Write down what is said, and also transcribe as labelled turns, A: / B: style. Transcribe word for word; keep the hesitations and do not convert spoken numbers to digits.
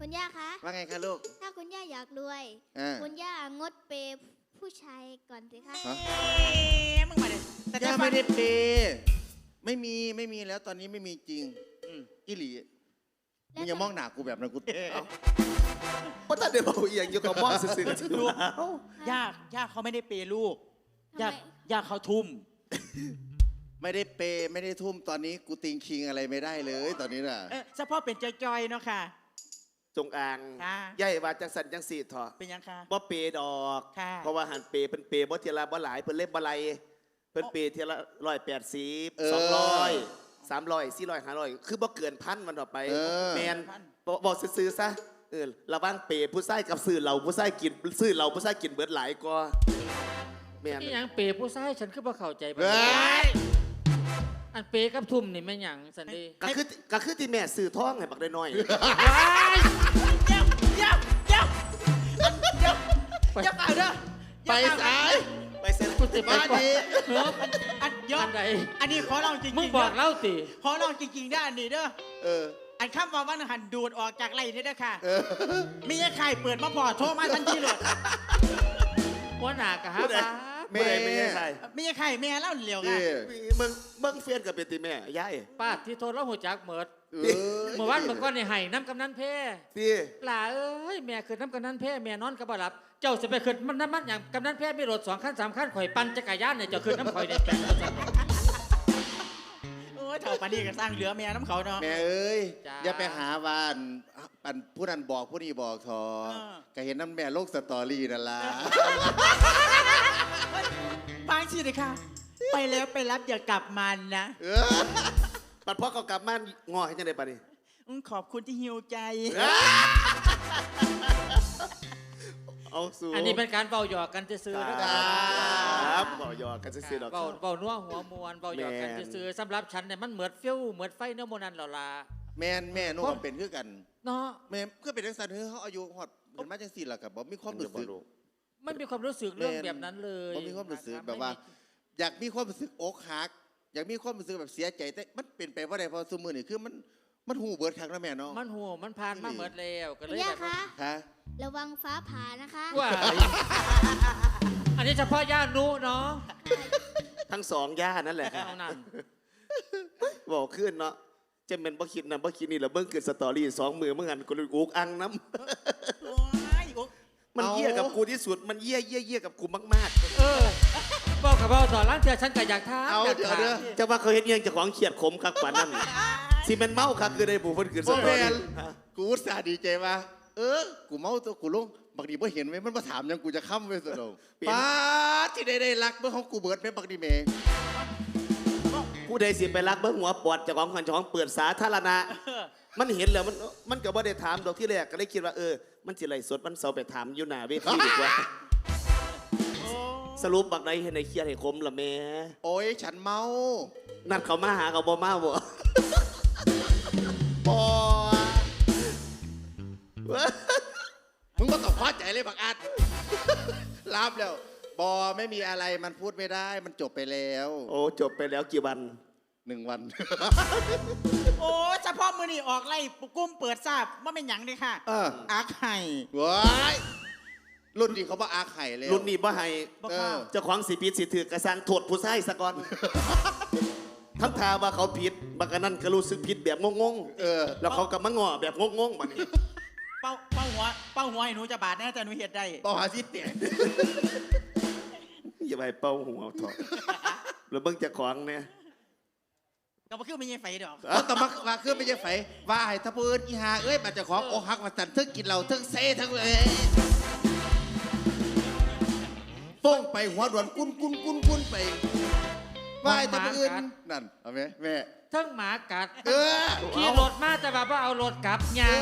A: คุณย่าคะ
B: ว่าไงคะลูก
A: ถ้าคุณย่าอยากรวยคุณย่างดเปย์ผู้ชายก่อนสิคะ
C: มึงมาเลยแต่
B: ย่าไม่ได้เปย์ไม่มีไม่มีแล้วตอนนี้ไม่มีจริงอิหลีมึงอย่ามองหน้ากูแบบนั้นกู
D: เพราะถ้าเดี๋ยวเอาอย่างอยู่กับมองสื่อๆ
C: ลูกย่าย่าเขาไม่ได้เปย์ลูกย่าย่าเขาทุ่ม
B: ไม่ได้เปย์ไม่ได้ทุ่มตอนนี้กูติงคิงอะไรไม่ได้เลยตอนนี้น่ะ
C: เฉพาะเป็นจอยๆเนาะค่ะ
D: จงอางใหญ่ว่าจังสันจังสีเถอะ
C: เป็นยังค่ะ
D: บ่เปย์ดอกเพราะว่าหันเปย์เป็นเปย์บ่เทียละบ่หลายเพิ่นเล่นบ่ไหลเพิ่นเปย์เทียละร้อยแปดสิบสองร้อยสามร้อยสี่ร้อยห้าร้อยคือบ่เกินพันมันต่อไปแมนบอกซื้อซะเออระวังเปย์ผู้ชายกับซื้อเราผู้ชายกินซื้อเราผู้ชายกินเบิดหลายกว่า
E: แมนนี่ยังเปย์ผู้ชายฉันคือบ่เข้าใจไปอันเปย์กับทุ่มนี่แม่หยังสันดี
D: ก็คือก็คือที่แม่ซื้อท้องให้บักได้น้อย
C: เดี๋ยวเดี๋ยวเดี๋ยวเดี๋ยวเดี๋ยวไปเด้อ
B: ไปสาย
D: ไปเซ็น
E: กูจะไป
B: ดี
C: อันยอดอันนี้ขอลองจริงๆ
E: มึงบอกเล่าติ
C: ขอลองจริงๆได้อันนี้เด้อ
B: เออ
C: อันข้ามว่าวันหันดูดออกจากไรนี่เด้อค่ะมีไอ้ไข่เปิดมาพอโทรมาทันทีเลย
E: หัวหน้ากะฮะ
D: แม่ไม่ใช่ใคร
C: มีไอ้ไข่แม่เล่าเหลียวกัน
D: มึงมึงเฟียนกับเป็นตีแม่ย่าย
E: ป้าที่โทรแล้วหัวจักเหมิดเมื่อวานเมื่อก่อนในไห้น้ำกำนันเพ่
D: ที่
E: หล่าเอ้ยแม่ขึ้นน้ำกำนันเพ่แม่นอนกับบ่หลับเจ้าจะไปขึ้นมันน้ำมันอย่างกำนันเพ่มีรถสองขั้นสามขั้นข่อยปั่นจักรยานเนี่ยเจ้าขึ้นน้ำข่อยเนี่ยแปลง
C: โอ้ยเถ่าปานี่ก็สร้างเหลือแม่น้ำเขาเนาะ
B: แม่เอ้ยอย่าไปหาวานอันผู้นั้นบอกผู้นี้บอกทอก็เห็นน้ำแม่โลกสตอรี่นั่นล่ะ
C: บางทีเลยค่ะไปแล้วไปรับอย่ากลับมานะ
D: ปัดพ่อเขากลับมางอให้ยังไงปะนี่
C: ขอบคุณที่หิวใจ
D: เอาสู้
E: อันนี้เป็นการเบาหยอกกันจะซื้อ
D: นะครับเบาหยอกกันจะซื้อดอก
E: เบาเบานัวหัวมวนเบาหยอกกันจะซื้อสำหรับฉันเนี่ยมันเหมือนฟิวเหมือนไฟเนื้อโมนันหล่อลา
B: แม่แม่นุ่มเป็นคือกัน
E: เนาะ
B: แม่ก็เป็นทักษะเฮ้เขาอายุหอดเห็นมาจังสี่หลักกับบอกมีความรู้สึก
E: ไม่มีความรู้สึกเรื่องแบบนั้นเลย
B: มีความรู้สึกแบบว่าอยากมีความรู้สึกอกหักอยากมีความรู้สึกแบบเสียใจแต่มันเป็นไปว่าใดพอสมือนี่คือมันมันหูเบิร์ดครั้งแล้วแม่เนาะ
E: มันหูมันผ่านมาเบิร์ดแล้วก็เลยแบบ
A: คะระวังฟ้าผ่านะคะ
E: ว่าอันนี้เฉพาะย่านุเนาะ
D: ทั้งสองย่านั่นแหละบอกขึ้นเนาะจะเป็นบ่คิดนะบ่คิดนี่แหละเบิ้งเกิดสตอรี่สองมือเมื่อไงกูเลยอุกอังน้ำมันเยี่ยกับกูที่สุดมันเยี่ยเยี่ยเยี่ยกับกูมาก
E: ๆเออบอกกับบอกต่อร้านเธอฉันก็อยากท้า
D: เอาเดี๋ยวเดี๋ยวจะว่าเขาเห็นยังจะของเขียดขมครับกว่านั้นสิมันเมาครับคือได้บุฟเฟ่ต์คือสตอรี่
B: กูอุตส่าห์ดีใจว่าเออกูเมาตัวกูลงบางทีไม่เห็นไว้มันมาถามยังกูจะค้ำไว้สุดลงป้าที่ได้ได้รักเมื่อของกูเบิร์ดไม่บางทีเมย์
D: ผู้ใดสิไปรักเบิ้งหัวปอดจากของขันของเปิดสาธารณะมันเห็นแล้วมันมันก็บ่ได้ถามดอกที่แรกก็เลยคิดว่าเออมันจิไรสดมันเสาไปถามอยู่หน้าเวทีดีกว่าสรุปบักใดเห็นในเครียดให้คมละแม่
B: โอ้ยฉันเมา
D: นัดเขามาหาเขาบ่มาบ่
B: ปอมึงก็ต้องพอใจเลยบักอัดรับแล้วบอไม่มีอะไรมันพูดไม่ได้มันจบไปแล้ว
D: โอ้จบไปแล้วกี่วัน
B: หนึ่งวัน
C: โอ้เฉพาะมือนี่ออกไล่กุ้มเปิดทราบว่าเป็นหยังเลยค่ะอาไข่
B: ว้ายรุ่นนี้เขาบอกอาไข่เลย
D: รุ่นนี้บ่ให้เจ้าของสีผิดสีถือกระซังโทษผู้ชายสะก่อนทั้งทาว่าเขาผิดบางกันนั่นก็รู้สึกผิดแบบงงๆเออแล้วเขากับมะงอแบบงงๆแบบนี้
C: เป้าเป้าหัวเป้าหัวให้หนูจะบาดแน่แต่หนูเห็ดได้
B: เป้าหาซิเตีย
D: อย่าไปเป้าหัวถอดแล้วเบิ่งจะของเนี่ย
C: ก็มาขึ้นไม่ใช่ไฟดอก
B: ก็มามาขึ้นไม่ใช่ไฟว่าให้ทับเอิญอีหาเอ้ยมาจะของโอหักมาสั่นทึกกินเราทึกเซ่ทั้งเลยฟ้องไปหัวด่วนกุ้นกุ้นกุ้นกุ้นไปว่าให้ทับเอิญนั่นเอาไหมแม่
E: ทั้งหมากัด
B: เออ
E: ขี่รถมาแต่ว่าเอารถกลับยา